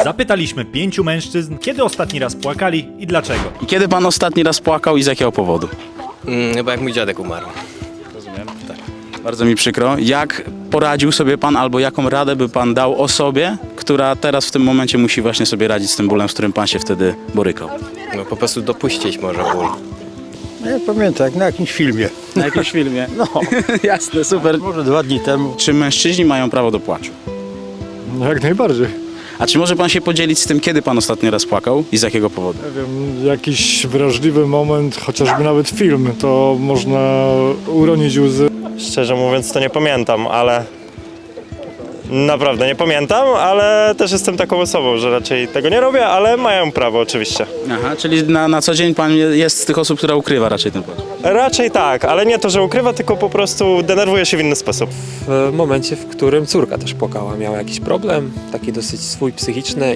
Zapytaliśmy 5 mężczyzn, kiedy ostatni raz płakali i dlaczego. I kiedy pan ostatni raz płakał i z jakiego powodu? Chyba jak mój dziadek umarł. Rozumiem. Tak. Bardzo mi przykro. Jak poradził sobie pan albo jaką radę by pan dał osobie, która teraz w tym momencie musi właśnie sobie radzić z tym bólem, z którym pan się wtedy borykał? No po prostu dopuścić może ból. No ja pamiętam, jak na jakimś filmie. Na jakimś filmie? No, jasne, super. Może 2 dni temu. Czy mężczyźni mają prawo do płaczu? No jak najbardziej. A czy może pan się podzielić z tym, kiedy pan ostatni raz płakał i z jakiego powodu? Nie wiem, jakiś wrażliwy moment, chociażby nawet film, to można uronić łzy. Szczerze mówiąc to nie pamiętam, ale naprawdę nie pamiętam, ale też jestem taką osobą, że raczej tego nie robię, ale mają prawo oczywiście. Aha, czyli na co dzień pan jest z tych osób, która ukrywa raczej ten płacz. Raczej tak, ale nie to, że ukrywa, tylko po prostu denerwuje się w inny sposób. W momencie, w którym córka też płakała, miała jakiś problem, taki dosyć swój psychiczny